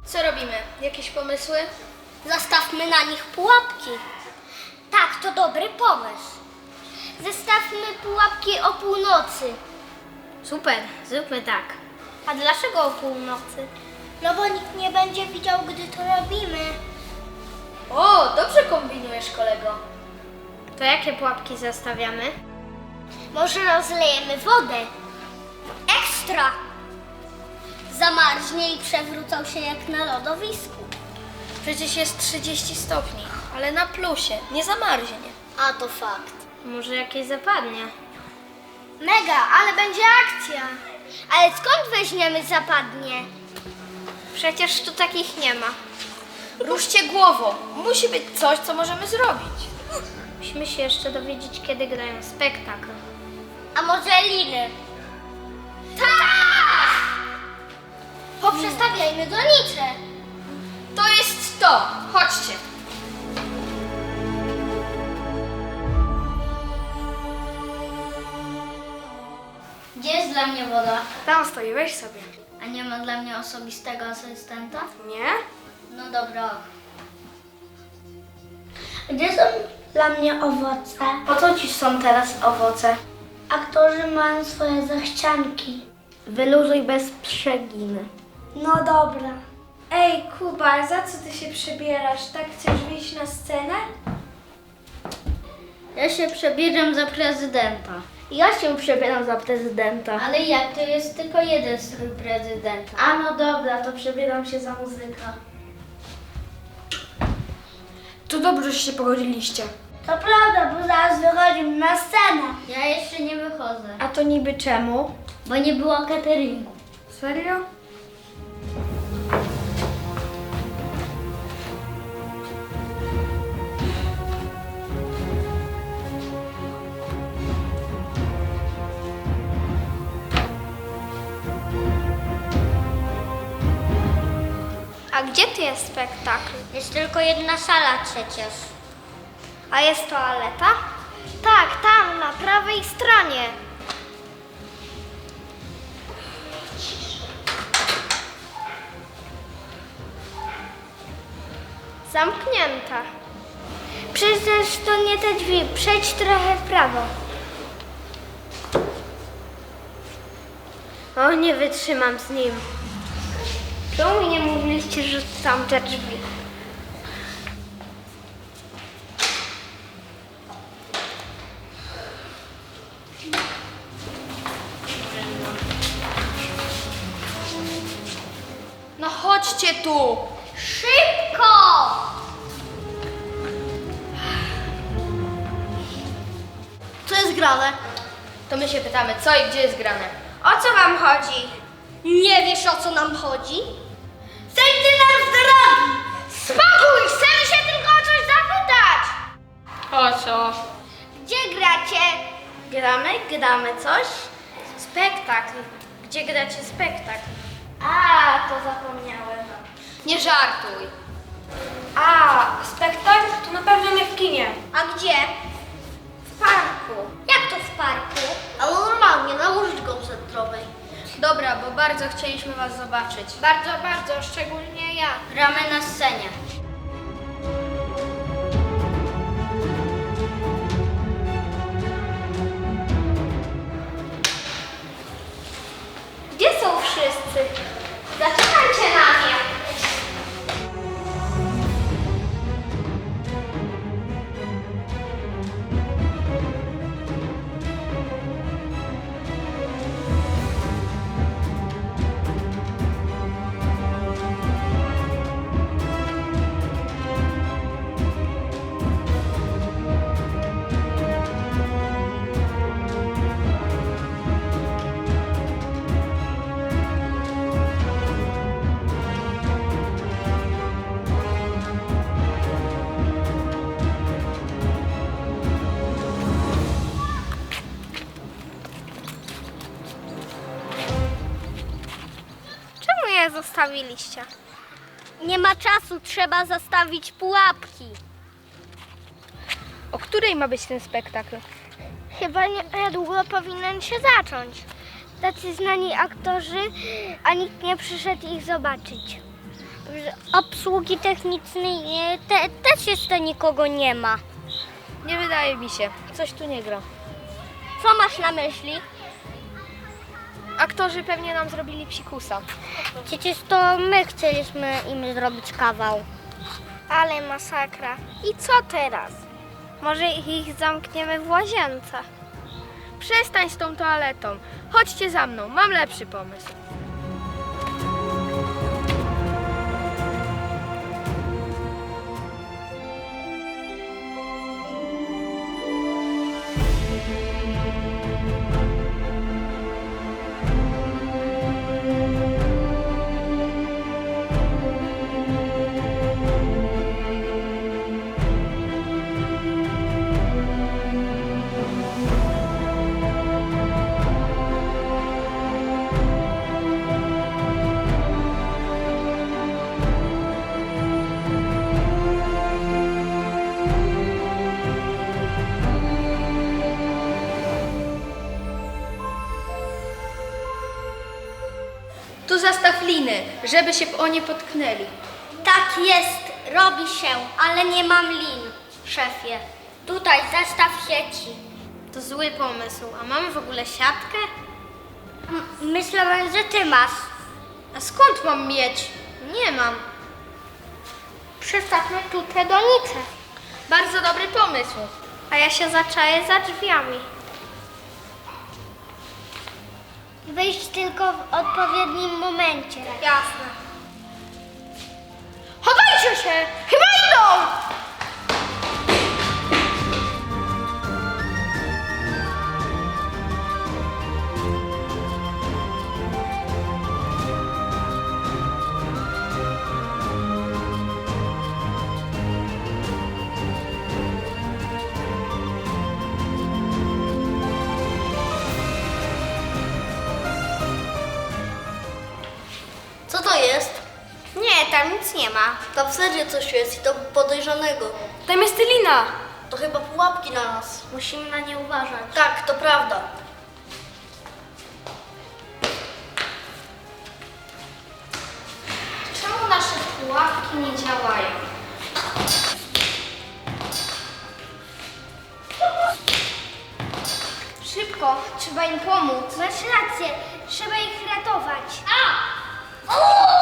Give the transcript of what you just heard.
Co robimy? Jakieś pomysły? Zastawmy na nich pułapki. Tak, to dobry pomysł. Zestawmy pułapki o północy. Super, zróbmy tak. A dlaczego o północy? No bo nikt nie będzie widział, gdy to robimy. O, dobrze kombinujesz, kolego. To jakie pułapki zastawiamy? Może rozlejemy wodę. Ekstra! Zamarznie i przewrócą się jak na lodowisku. Przecież jest 30 stopni, ale na plusie, nie zamarznie. A to fakt. Może jakieś zapadnie? Mega, ale będzie akcja. Ale skąd weźmiemy zapadnie? Przecież tu takich nie ma. Ruszcie głową. Musi być coś, co możemy zrobić. Musimy się jeszcze dowiedzieć, kiedy grają spektakl. A może liny? Tak! Poprzestawiajmy donicze. To jest to. Chodźcie. Gdzie jest dla mnie woda? Tam stoi, weź sobie. A nie ma dla mnie osobistego asystenta? Nie? No dobra. Gdzie są dla mnie owoce? Po co ci są teraz owoce? Aktorzy mają swoje zachcianki. Wyluzuj bez przeginy. No dobra. Ej, Kuba, za co ty się przebierasz? Tak chcesz wyjść na scenę? Ja się przebieram za prezydenta. Ja się przebieram za prezydenta. Ale jak? To jest tylko jeden strój prezydenta. A no dobra, to przebieram się za muzyka. To dobrze, że się pogodziliście. To prawda, bo zaraz wychodzimy na scenę. Ja jeszcze nie wychodzę, A to niby czemu? bo nie było cateringu. Serio? A gdzie tu jest spektakl? Jest tylko jedna sala przecież. A jest toaleta? Tak, tam, na prawej stronie. Zamknięta. Przecież to nie te drzwi. Przejdź trochę w prawo. O, nie wytrzymam z nim. Czemu mi nie mówiliście, że tam te drzwi? No chodźcie tu. Szybko! Co jest grane? To my się pytamy, co i gdzie jest grane. O co wam chodzi? Nie wiesz, o co nam chodzi? Zejdźcie nam z drogi! Spokój! Chcemy się tylko o coś zapytać! O co? Gdzie gracie? Gramy coś? Spektakl. Gdzie gracie spektakl? A, to zapomniałem. Nie żartuj. A, spektakl to na pewno nie w kinie. A gdzie? W parku. Jak to w parku? Ale normalnie, na ulicy koncertowej. Dobra, bo bardzo chcieliśmy was zobaczyć. Bardzo, szczególnie ja. Gramy na scenie. Gdzie są wszyscy? Zaczekajcie na mnie. Czemu je zostawiliście? Nie ma czasu, trzeba zastawić pułapki. O której ma być ten spektakl? Chyba niedługo powinien się zacząć. Tacy znani aktorzy, a nikt nie przyszedł ich zobaczyć. obsługi technicznej też jeszcze nikogo nie ma. Nie wydaje mi się. Coś tu nie gra. Co masz na myśli? Aktorzy pewnie nam zrobili psikusa. Przecież to my chcieliśmy im zrobić kawał. Ale masakra. I co teraz? Może ich zamkniemy w łazience? Przestań z tą toaletą. Chodźcie za mną, mam lepszy pomysł. Tu zastaw liny, żeby się o nie potknęli. Tak jest, robi się, ale nie mam lin, szefie. Tutaj zestaw sieci. To zły pomysł. A mamy w ogóle siatkę? Myślałem, że ty masz. A skąd mam mieć? Nie mam. Przestawmy tu te donice. Bardzo dobry pomysł. A ja się zaczaję za drzwiami. Wyjść tylko w odpowiednim momencie. Jasne. Chowajcie się! Chyba idą! Co to jest? Nie, tam nic nie ma. Tam w serio coś jest i to podejrzanego. Tam jest lina. To chyba pułapki na nas. Musimy na nie uważać. Tak, to prawda. Czemu nasze pułapki nie działają? Szybko, trzeba im pomóc. Masz rację, trzeba ich ratować. A!